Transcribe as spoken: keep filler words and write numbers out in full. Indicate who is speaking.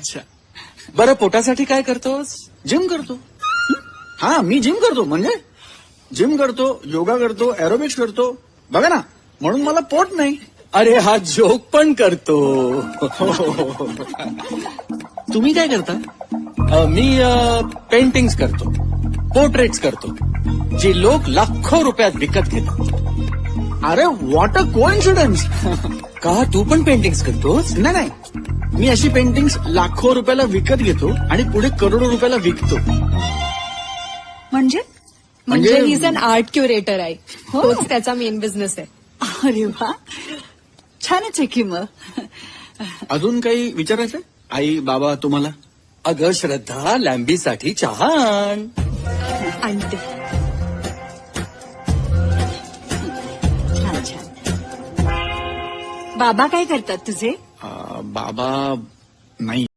Speaker 1: अच्छा.
Speaker 2: बरं पोटासाठी काय करतोस?
Speaker 1: जिम करतो. हा मी जिम करतो म्हणजे जिम करतो, योगा करतो, एरोबिक्स करतो. बघा ना, म्हणून मला पोट नाही.
Speaker 2: अरे हा जोक पण करतो.
Speaker 1: तुम्ही काय करता?
Speaker 2: अ, मी पेंटिंग्स करतो, पोर्ट्रेट्स करतो, जे लोक लाखो रुपयात विकत घेतात.
Speaker 1: अरे व्हॉट अ कोइन्सिडन्स.
Speaker 2: का तू पण पेंटिंग्स करतोस?
Speaker 1: नाही नाही, मी अशी पेंटिंग्स लाखो रुपयाला विकत घेतो आणि पुढे करोडो रुपयाला विकतो.
Speaker 3: म्हणजे
Speaker 4: म्हणजे
Speaker 1: म्हणजे-
Speaker 4: he is an art curator आहे.
Speaker 3: हो.
Speaker 4: तोच त्याचा मेन बिझनेस आहे.
Speaker 3: अरे वा, छानच आहे की मग.
Speaker 1: अजून काही विचारायचं आई बाबा तुम्हाला?
Speaker 2: अगं श्रद्धा, लॅम्बीसाठी चहा आण.
Speaker 4: आणते.
Speaker 3: छान छान. बाबा काय करतात तुझे?
Speaker 1: अं, बाबा नाही.